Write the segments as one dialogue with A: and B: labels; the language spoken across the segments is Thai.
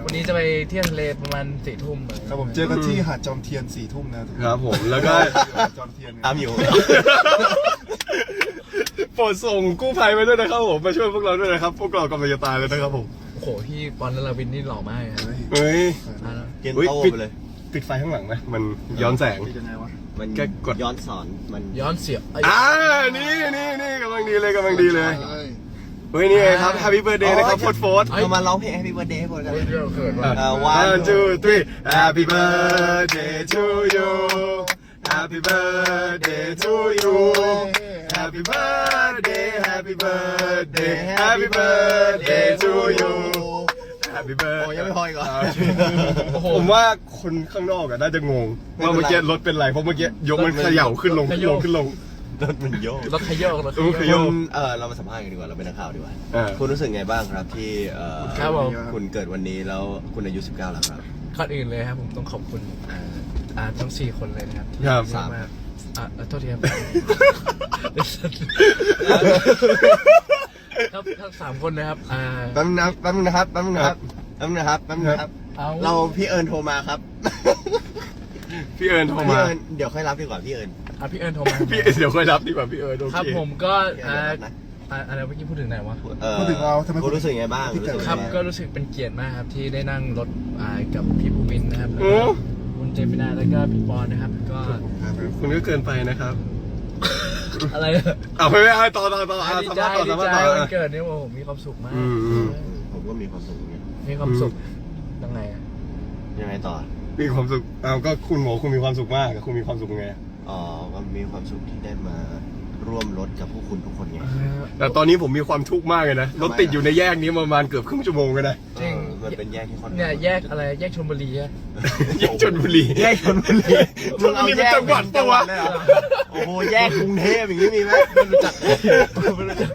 A: วันนี้จะไปเที่ยวทะเลประมาณ4 ทุ่ม
B: ครับผมเจอกันที่หาดจอมเทียน4 ทุ่มนะครับ
C: ผมแล้วก็
B: จอมเทียน
D: ตามอยู่
C: โปรดส่งกู้ภัยมาด้วยนะครับผมมาช่วยพวกเราด้วยนะครับพวกเรากำลังจะตายเลยนะครับผม
A: โอ้โหพี่ปอนนลวินนี่หล่อมากเลยครับ
C: เฮ้ย
D: เกณฑ์โตไปเลย
C: ปิดไฟข้างหลังไหมมันย้อนแสง
B: ยังไงวะ
D: มัน
C: แกกด
D: ย้อนสอนมัน
A: ย้อนเสียบ
C: นี่กำลังดีเลยกำลังดีเลยเฮ้ยนี่ไงครับ Happy Birthday นะครับโฟร์
D: เรามาร้องเพลง Happy Birthday ให้หมดกัน
A: เขินว่ะ
C: 1 2 3 Happy Birthday to you Happy Birthday to you Happy Birthday Happy Birthday Happy Birthday to you Happy Birthday
D: โอ้ยังไม่พออีกเหรอ
C: ผมว่าคนข้างนอกน่าจะงงว่าเมื่อกี้รถเป็นไรเพราะเมื่อกี้ยกมันเขย่าขึ้นลงขึ้นลงขึ้นลง
D: รถมันโยก
A: รถขยกรถข
C: ข
A: ย
C: ย
A: ก
C: ก
D: เรามาสัมภาษณ์กันดีกว่าเราเป็นนักข่าวดีกว่า
C: อ่า
D: คุณรู้สึกไงบ้างครับที่
A: ครับผม
D: คุณเกิดวันนี้แล้วคุณอายุ19แล้วครับ
A: ก่อนอื่นเลยครับผมต้องขอบคุณทั้ง4 คนเลยนะครับที่
C: ครับ
A: เยอะมากโทษทีครับครับทั้ง3 คนนะครับ
D: แป๊บนึงนะครับ
A: เอา
D: เราพี่เอิญโทรมาครับ
C: พี่เอิญโทร
D: พี่
C: มา
D: เอิญเดี๋ยวค่อยรับดีกว่าพี่เอิญ
A: พี่เอิญโทรมา
C: พี่เดี๋ยวค่อยรับดีกว่าพี่เอิญโอ
A: ครับ
C: เค
A: ผมก็
D: เดี๋ยวรับนะ
A: อะไรเมื่อกี้พูดถึงไหนวะ
B: พูดถึงเราทำไม
D: คุณรู้สึกไงบ้างรู้สึก
A: ครับ
D: ไง
A: ก็รู้สึกเป็นเกียรติมากครับที่ได้นั่งรถกับพี่ภูมินนะครับแล้ว
C: โอ้
A: ก็คุณเจมินาแล้วก็พี่ปอนนะครับก็
C: คุณก็เกินไปนะครับ
A: อะไร
C: ไม่ต่อ
A: ดี
C: สัม
A: ใจ
C: ภาษณ์ต่อ
A: ดี
C: สัมภาษ
A: ใจ
C: ณ์ต่อ
A: วันเกิดเนี่ยผมมีความสุขมาก
C: อืม
D: ผมก็มีความสุขอย่างเงี้ย
A: มีความสุขยังไงอะ
D: ยังไงต่อ
C: มีความสุขก็คุณบอกคุณมีความสุขมากคุณมีความสุขไง
D: ก็มีความสุขที่ได้มาร่วมรถกับพวกคุณทุกคนไง
C: แต่ตอนนี้ผมมีความทุกข์มากเลยนะรถติดอยู่ในแยกนี้ประมาณเกือบครึ่งชั่วโมงกันนะ
A: จริง
D: มันเป็นแยกที่ค่อนข้าง
A: เนี่ยแยกอะไรแยกชลบุรีอะ
C: แยกชลบุรี
D: แยกชลบุรี
C: ชลบุรีเป็นจังหวัดปะวะ
D: เลยเหรอโอ้โหแยกกรุงเทพอย่างนี้มีไหม
A: ไม่รู้จักไม่รู้จัก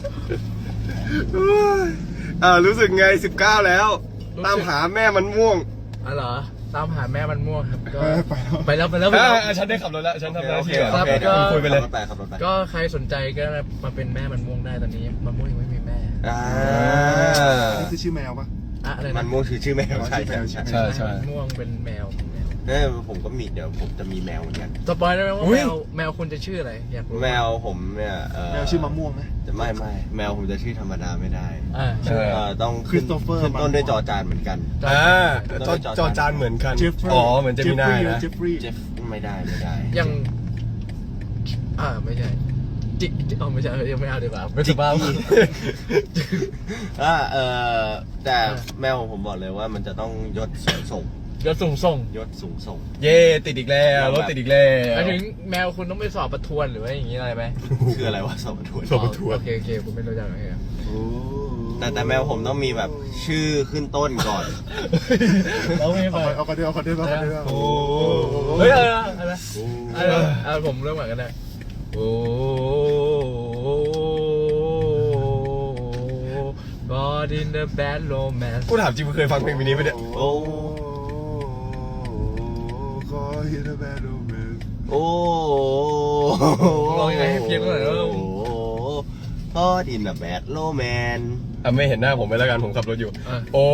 C: รู้สึกไง19แล้ว ตามหาแม่มันม่วง
A: เหรอตามหาแม่มันม่วงครับก็
B: ไปแล้ว
A: ไปแล้ว
C: ฉันได้ขับรถแล้วฉันทำหน้าที่
A: ครับ
C: ก็คุยไปเลย
D: ขับรถไป
A: ก็ใครสนใจก็มาเป็นแม่มันม่วงได้ตอนนี้มันม่วงยังไม่มีแม่
B: นี่คือชื่อแมวปะ
A: อะไร
D: มั
A: นะ
D: นม่วงชื่อแมวใช่
C: ใช่
A: มันม่วงเป็นแมว
D: ผมก็มีเดี๋ยวผมจะมีแมวเหมือนกัน
A: สปอยได้ไหมว่า
C: อุ๊ย
A: แมวคุณจะชื่ออะไรอยากรู้
D: แมวผมเนี่ย
B: แมวชื่อมะม่วงไหม
D: จะไม่แมวผมจะชื่อธรรมดาไม่ได้
C: ใช่
D: ต้องขึ้นต้นด้วยจอจานเหมือนกัน
C: จอจานเหมือนกัน
B: เจฟฟรีย์
C: อ๋อเหมือนจะมีหน้านะ
B: เจฟฟรีย์
D: เจฟไม่ได้
A: ยังไม่ใช่จิกไม่ใช่ยังไม่เอาดีกว่าไม่สบาย
D: แต่แมวของผมบอกเลยว่ามันจะต้องยศสูงส่ง
A: ยศสูงส่ง
D: ยศสูงส่ง
C: เย่ติดอีกแล้วรถติดอีกแล้ว
A: หมายถึงแมวคุณต้องไปสอบประทวนหรือว่าอย่างนี้อะไรไหม
D: คืออะไรวะสอบประทวน
C: สอบประทวน
A: โอเคคุณไม่รู้จักอะไรครับ
D: แต่แมวผมต้องมีแบบชื่อขึ้นต้นก่อน
A: เราไม่ไป
B: เอาคนเดียว
C: โอ้
A: เฮ้ยอะไรผมเริ่มเหมือนกันเลยโอ้ God in the bad romance
C: กูถามจริงมึงเคยฟังเพลงนี้ไหมเนี่ย
D: โอ้
B: ขอฮิตแบดโรแมน
D: โอ้
A: ลองยังไงให้เพี้ยนหน่อยแล้ว
D: พ่อดินแบบแบดโลแมน
C: ไม่เห็นหน้าผมไปแล้วกันผมขับรถอยู่ โอ้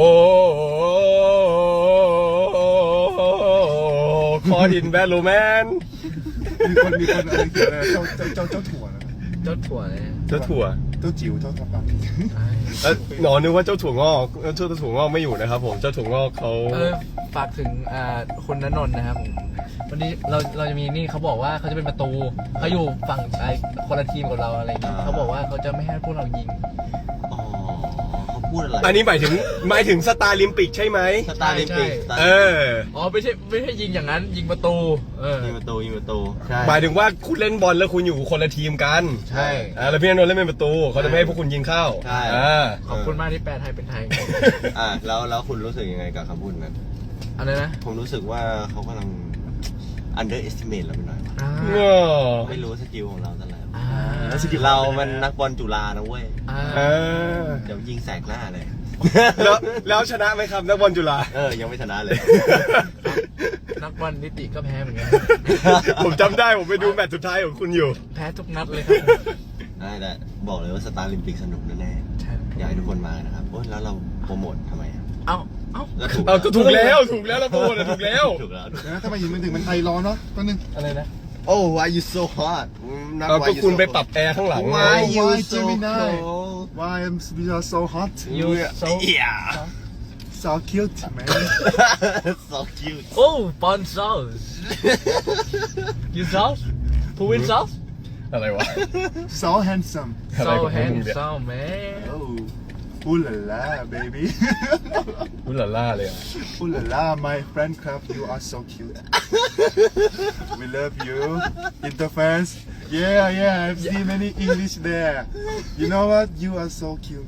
C: คอดินแบดโรแมน
B: มีคนอะไรเขียนอะไรเจ้าถั่วนะ
A: เจ้าถั่วเลย
C: เจ้าถั่ว
B: เจ้าจิ๋วเจ้าทับปัง
C: หนอนนึกว่าเจ้าถั่วงอกเจ้าถั่วงอกไม่อยู่นะครับผมเจ้าถั่วงอกเขา
A: ฝากถึงคุณณนนท์นะครับผมวันนี้เราจะมีนี่เขาบอกว่าเขาจะเป็นประตูเขาอยู่ฝั่งคนละทีมกับเราอะไรอย่างเงี้ยเขาบอกว่าเขาจะไม่ให้พวกเรายิง
D: อ๋อเขาพูดอะไร
C: อันนี้หมายถึงสตาร์ลิมปิกใช่ไหม
D: สตาร์ลิมปิก
A: อ๋อไม่ใช่ยิงอย่างนั้นยิงประตู
D: ยิงประตูใช่
C: หมายถึงว่าคุณเล่นบอลแล้วคุณอยู่คนละทีมกัน
A: ใช่
C: แล้วพี่นนท์เล่นเป็นประตูเขาจะไม่ให้พวกคุณยิงเข้า
D: ใช่
A: ขอบคุณมากที่แปลไทยเป็นไทย
D: แล้วคุณรู้สึกยังไงกับคำพูดนั้น
A: อะไรนะ
D: ผมรู้สึกว่าเขากำลัง underestimate เราไปหน่อย ไม่รู้สกิลของเราแต่ละเรามันนักบอลจุฬานะเว้ยเดี๋ยวยิงแสกหน้าเลย
C: แล้วชนะไหมครับนักบอลจุฬา
D: ยังไม่ชนะเลย
A: นักบอลนิติก็แพ้เหมือนกัน
C: ผมจำได้ผมไปดูแมตช์สุดท้ายของคุณอยู่
A: แพ้ทุกนัดเลยครับ
D: แต่บอกเลยว่าสตาร์ลิมปิกสนุกแน่ๆอยากให้ทุกคนมานะครับแล้วเราโปรโมททำไม
A: เอ้า
C: เอาก็ถูกแล้วแล้วพูดถูกแล้ว
D: ถูกแล้ว
B: นะถ้ามายินมันถึงมันไอร้อนเนาะแป๊บนึง
A: อะไรนะ
D: Oh why you so hot
C: เอาก็คุณไปปรับแอร์ข้างหลัง
D: Why you
B: Why
D: so
B: Gemini?
D: cold
B: Why am we are so hot
A: You so
D: Yeah
B: so cute man
D: so cute
A: Oh fun sauce You sauce Put in sauce
C: อะไรวะ
B: so handsome
C: อะไร
A: So
C: ของมึงเนี่ย
A: handsome man
B: oh ooh la la baby
C: อุลาล่าเลยอ่ะ
B: ooh la la my friend club you are so cute we love you interfans yeah I've seen many English there you know what you are so cute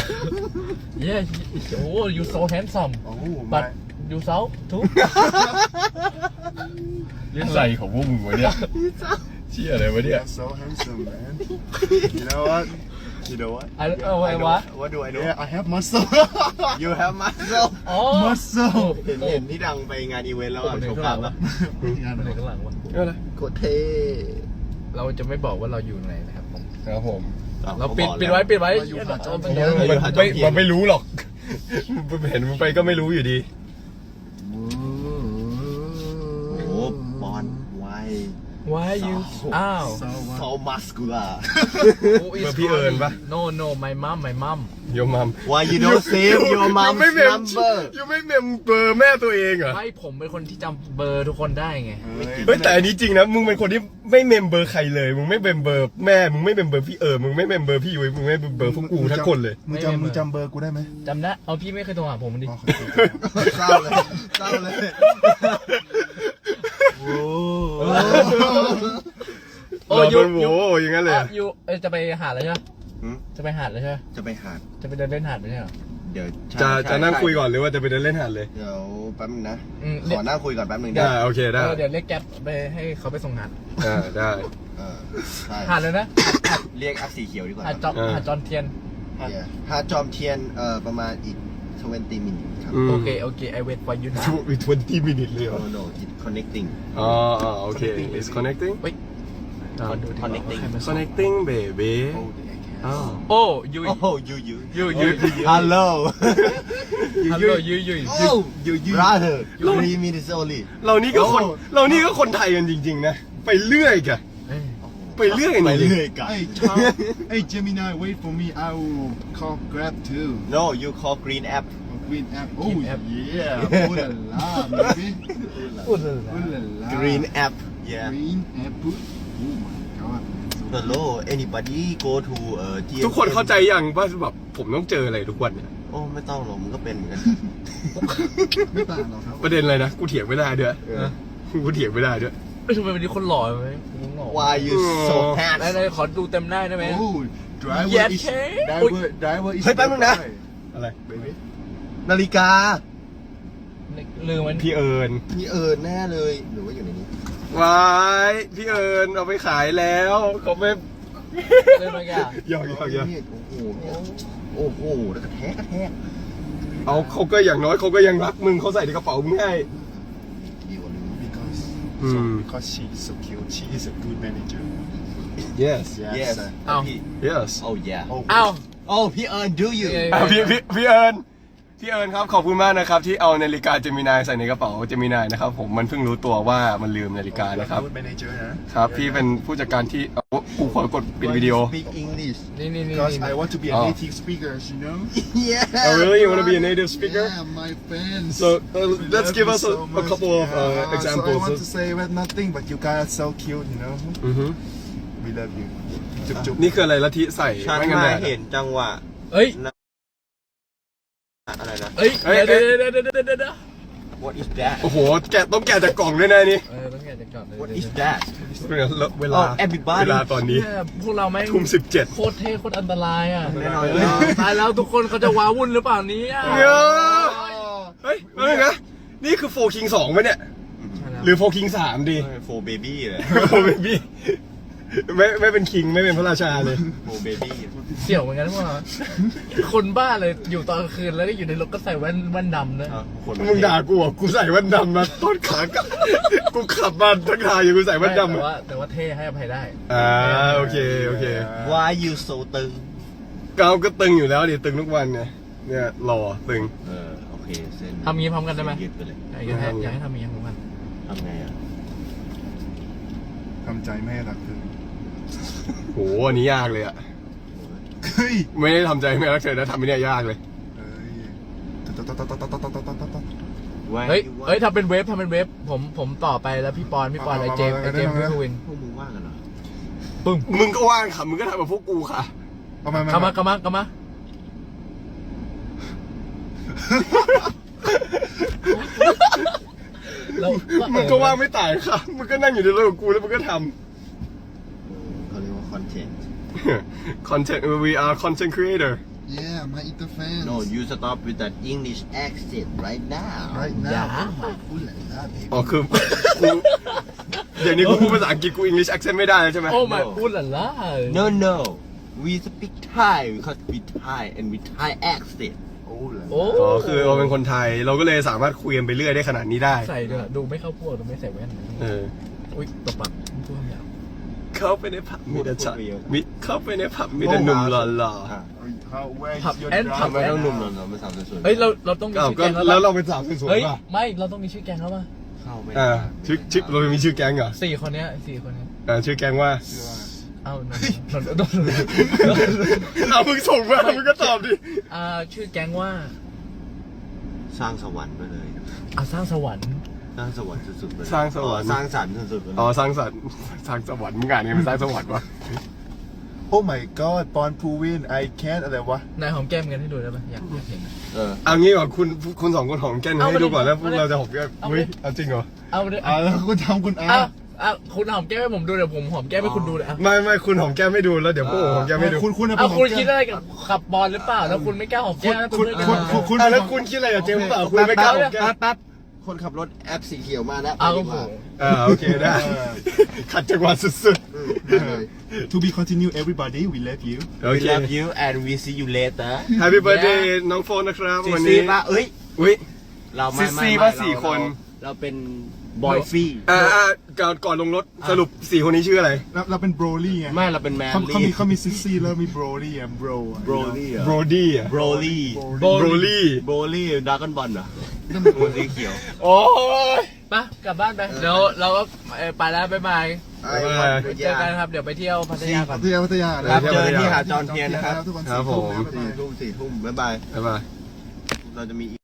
A: Yeah Oh you so handsome
B: oh
A: But
B: my
A: you so too
C: ใส่ของพวกมึงวะเนี่ยเชี่ยอะไรวะ
B: you
C: เนี่ย
B: are so handsome man you know what
D: You know what
A: I what
D: What do I know
B: yeah I have muscle
D: You have muscle
A: อ๋อ
B: muscle
D: เห็นที่ดังไปงานอีเวนต์แล้วอ่ะโชว์ภาพแล้ว
B: งาน
A: ไห
B: อะไร
A: นข้างหลังวะ
C: อะไร
D: โคตรเท่
A: เราจะไม่บอกว่าเราอยู่ไหนนะครับผม
C: ครับผม
A: เราปิดไว้
C: มันไม่รู้หรอกเห็นมึงไปก็ไม่รู้อยู่ดี
D: โอ้โหบอลไว
A: Why you อ้าว
D: so muscular
A: Who is
C: เบอร์พี่เอิญปะ
A: No my mom
C: โยมัม
D: Why you don't save your
C: ยัง
D: mom's
C: ไม่เมม
D: number
C: ยังไม่เมมเบอร์แม่ตัวเองเหรอ
A: ไม่ผมเป็นคนที่จำเบอร์ทุกคนได้ไง
C: เฮ้ยแต่อันนี้จริงนะมึงเป็นคนที่ไม่เมมเบอร์ใครเลยมึงไม่เมมเบอร์แม่มึงไม่เมมเบอร์พี่มึงไม่เมมเบอร์พี่ยุ้ยมึงไม่เมมเบอร์พวกกูทั้งคนเลย
B: มึงจำเบอร์กูได้ไหม
A: จำได้เอาพี่ไม่เคยโทรหาผมดิ
B: อ๋อขอโทษ
D: เศร้าเลยเศร้าเลย
A: โอ้
C: เรา
A: ยู
C: เป็นโว้อย่างนั้นเลยอะ
A: ยูจะไปหาดเลยใช่ไหม
D: หืม
A: จะไปหาดเลยใช่ไหม
D: จะไปหาด
A: จะไปเดินเล่นหาดไม่ใช่เหรอ
D: เดี๋ยว
C: จะนั่งคุยก่อนหรือว่าจะไปเดินเล่นหาดเลย
D: เดี๋ยวแป๊บนึงนะ
A: อืม
D: ขอนั่งคุยก่อนแป๊บนึง
C: ได้โอเคได้
A: เดี๋ยวเรียกแก๊ปไปให้เขาไปส่งหาด
C: ได้
D: ใช่
A: หาดเลยนะ
D: เรียกอัพสีเขียวดีกว่า
A: หาดจอมเทียน
D: หาดจอมเทียนประมาณอีก20 minutes ครับ
A: โอเคI wait for you now
C: 20 minutes เลยเหรอ
D: Oh no it's connecting
C: อ๋อโอเค it's connecting
A: เฮ้ยขอดูดิ
D: Connecting
C: connecting baby
B: Oh, the egg.
C: อ้าว
A: โอ้ยู
D: Oh you
A: Hello
D: Hello
A: you
D: Oh brother 3 minutes only
C: เรานี่ก็คนไทยกันจริงๆนะไปเรื่อยกันไปเรื่อยกัน
D: ไป
C: จริง
D: เรื่อยกัน
B: Hey, Tom. Hey, Gemini, wait for me. I will call Grab too.
D: No you call green app
B: Oh, Green app. Oh,
A: Green app.
B: yeah. Ooh la la, baby.
A: พูดเลย
B: Ooh la la.
D: green app yeah
B: Green app. Oh my god.
D: Hello anybody go to
C: ทุกคนเข้าใจยังว่าแบบผมต้องเจออะไรทุกวันเนี่ย
D: โอ้ไม่ต้องหรอกมึงก็เป็นเหมือนกัน
B: ไม่ต่างหรอกครับ
C: ประเด็นอะไรนะกูเถียงไม่ได้ด้วยกูเถียงไม่ได้ด้วย
A: ทำไมวันนี้คนหล่อไหมหล่อ
D: Why you so
A: ไหน
D: handsome
A: ขอดูเต็มหน้าได้ไหม
B: Oh, driver
A: Yes,
B: is
A: okay.
B: driver is
D: เฮ้ยแป๊บนึงนะ
C: อะไร
B: baby.
D: นาฬิกา
A: ลืมมัน
C: พี่เอิญ
D: นี่แน่เลยหรือว่าอยู่ในนี้
C: วายพี่เอิญเอาไปขายแล้วเขาไม่
A: ลืมมันแก
C: ยอก
D: โอ้โหเนี่ยโอ้โหแล้วกระแทก
C: เอาเขาก็อย่างน้อยเขาก็ยังรักมึงเขาใส่ในกระเป๋ามึงให้
D: ดีกว่านึง
B: Because she is so cute. She is a good manager.
C: yes
D: yes
A: อ้าว
C: yes
D: oh yeah
A: อ้าว
D: oh พี่เอิญ do you
C: พี่เอิญครับขอบคุณมากนะครับที่เอานาฬิกาเจมินายใส่ในกระเป๋าเจมินายนะครับผมมันเพิ่งรู้ตัวว่ามันลืมนาฬิกานะครับ
B: Good manager นะครับ
C: พี่เป็นผู้จัดการที่กูขอกดปิดวิดีโอ
D: speak English
A: นี่
B: Because I want to be a
C: Oh.
B: native speaker, you know.
D: yeah
C: Oh really you want to be a native speaker
B: Yeah, my fans.
C: so let's
B: Love
C: give
B: you
C: us
B: so
C: a
B: much.
C: couple of
B: Yeah,
C: examples
B: So I want to say well, nothing, but you guys are so cute, you know.
C: อือฮึ
B: We love you. จุ๊บ
C: นี่คืออะไรละทิใส่
D: ฉัน
C: ไม่กัน
D: มา
C: แดด
D: เห็นจังหวะ
A: เอ้ย
D: อะไรนะ
A: เอ้ย
C: เอ้ย
A: เดี๋ยว
D: what is that
C: โอ้โหต้องแกะจากกล่องด้วยนะนี่
A: ต้องแกะจากก่อนเลย
D: what is that
C: เวลา
D: Oh, everybody
C: เวลาตอนนี้
A: เนี่ยพวกเราแม่ง
C: ทุ่ม17
A: โคตรเท่โคตรอันตรายอ่ะ
D: แน่นอน
A: ตายแล้วทุกคนเขาจะว้าวุ่นหรือเปล่าเนี้
C: เฮ้ยเฮ้ยนะนี่คือโฟคิง2ไหมเนี่ย หรือโฟคิง3ดี
D: โฟเบบี้เลย
C: โฟเบบี้ไม่เป็นคิงไม่เป็นพระราชาเลย
D: โฟเบบี้
A: เสี่ยวเหมือนกันพวกเราคนบ้าเลยอยู่ตอนกลางคืนแล้วก็อยู่ในรถก็ใส่แว่นดำนะ
C: มึงด่ากูอ่ะกูใส่แว่นดำมาต้นขากลับกูขับมาทั้งทางอยู่กูใส่แว่นดำ
A: แต่ว่าเท่ให้อภัยได้
C: โอเค
D: Why you so ตึง
C: เกาก็ตึงอยู่แล้วดิตึงทุกวันเนี่ยหล่อตึง
D: โอเคเส้น
A: ทำงี้พร้อมกันได้ไหม
D: ยึดไปเลย
A: อยากให้ทำอย่างนี้พร้อมกัน
D: ทำไงอ่ะ
B: ทำใจไม่ให้รักเธอ
C: โหอันนี้ยากเลยอะ
B: เฮ้ย
C: ไม่ได้ทำใจไม่รักเธอนะทำไม่ได้ยากเลย
B: เฮ้ยต๊อดต๊อดต๊อดต๊อดต๊อดต๊อดต๊อดต๊อด
A: เฮ้ยทำเป็นเวฟผมต่อไปแล้วพี่ปอนไอเจมพี่ทูวิน
D: พวกมึงว่างกันเหรอ
A: ปึ้ง
C: มึงก็ว่างค่ะมึงก็ทำแบบพวกกูค่ะ
B: เอามา
A: กลับมาแล้ว
C: มึงก็ว่างไม่ตายค่ะมึงก็นั่งอยู่ในรถกับกูแล้วมึงก็ท
D: เขาเรียกว่าคอนเทนต์
C: ำ content we are content creator
B: Yeah my inter fans
D: No you stop with that English accent right now
B: right
A: อย่า
B: now พูดแหละนะเบ
C: อ๋อคือกูเดี๋ยวนี้กูพูดภาษาอังกฤษกู English accent ไม่ได้แล้วใช่ไหม
A: โอ้ my พูดหล่ะล่ะ
D: No no we speak Thai because we Thai and we Thai accent
B: โอ้แหละ
A: โอ้
C: อ๋อคือเราเป็นคนไทยเราก็เลยสามารถคุยกันไปเรื่อยได้ขนาดนี้ได้
A: ใส่ด้วยดูไม่เข้าพวกดูไม่ใส่แว่น
C: เออ
A: อุ้ยตบปากพูดคำหยาบ
C: เข้าไปในผับมีแต่ฉันมิเข้าไปในผับมีแต่หนุ่มหล่อ
D: อ่ะ
B: How where is
A: ผับ
B: your
A: แอน
B: drive
A: ผับ
D: ทำไมต้องหนุ่มหล่อๆมาสาวสวยๆ
A: เฮ้ยเราต้องมี
C: ๆอ้าว
A: ชื่อ
C: ก็
A: แกงแล้ว
C: แล้ว
A: ป่ะ
C: เราเป็นสาวสวย
A: เฮ้ย
C: ๆป่ะ
A: ไม่เราต้องมีชื่อแกงแล้วป่ะ
D: เข้าไม่
C: อ่า
D: ได้
C: ชื่อเรามีชื่อแก๊งเหรอ
A: สี่คนเนี้ย4 คนนี้
C: ชื่อแก๊งว่า
A: เอ้า
C: เอามึงส่งมามึงก็ตอบดิ
A: ชื่อแก๊งว่า
D: สร้างสวรรค์ไปเลย
A: สร้างสวรรค์
D: สร้างสวรรค์สุดๆไปเลย
C: สร้างสวรรค์
D: สร้างสรรค์สุดๆไปเลย
C: อ๋อสร้างสรรค์สร้างสวรรค์มึงอ่านยังไงเป็นสร้างสวรรค์วะ
B: Oh my god ปอนพูวิน I can't อะไรวะ
A: นายหอมแก้มกันให้ดูได้ป่ะอยากเห็น
D: เออ
C: เอางี้ก่อนคุณสองคนหอมแก้มให้ดูก่อนแล้วพวกเราจะหอมแก้ม
A: เอาไป
C: เฮ้ยเอาจริงเหรอ
A: เอาดิ
B: อ่าแล้วคุณทำคุณอา
A: คุณหอมแก้มให้ผมดูเดี๋ยวผมหอมแก้มให้คุณดูเลย
C: ไม่คุณหอมแก้มไม่ดูแล้วเดี๋ยวพวกผมหอมแก้มไม่ดู
B: คุณ
A: เอาคุณคิดอะไรกับขับบอลหรือเปล่าแล้วคุณไม่กล้าหอมแก้มแล้วคุณ
B: คุณ
C: อ่ะแล้วคุณคิดอะไรกับเจมส์เปล่าคุณไม่กล้าหอมแก้ม
D: แป๊บคนขับรถแอปสีเขียวมาแล้ว
A: เอา
D: ไป
A: โอ้
D: ดี
A: โห
D: กว่า
C: โอเคได้ขัดจังหวะสุด
B: To be continue everybody we love you
C: ๆโอ
D: We
C: เค
D: love you and we see you later
C: Happy birthday น้องโฟนนะครับ
D: ซี
C: วัน
D: ซี
C: นี้
D: ป่ะเอ้ย
C: อุ้ย
D: เราไม่
C: ซี
D: ไม่
C: ป่ะ
D: ไม่
C: 4 คน
D: เราเป็นบอยฟี่
C: ก่อนลงรถสรุป4 คนนี้ชื่ออะไร
B: เราเป็นโบรลี่ไง
D: ไม่เราเป็นแมน
B: เขามีซิสซี่แล้วมีโบรลี่อ่ะโบร
D: โบรลี่เหรอ
C: โบรดี้อ่ะ
D: โบรลี่
C: โบรลี่
D: โบรลี่ดราก้อนบอลเหรอตัวสีเขียว
C: โอ้ย
A: ไปกลับบ้านไปเดี๋ยวเราก็ไปแล้วบ๊ายบาย
C: บ๊ายบาย
A: เจอกันครับเดี๋ยวไปเที่ยวพัทยาก่อน
B: พัทยา
D: ครับเจอที่หาดจอห์นเทียนนะครับ
B: ทุกวัน
C: ครับผม
D: 4 ทุ่มบ๊ายบาย
C: บ๊ายบาย
D: เราจะมี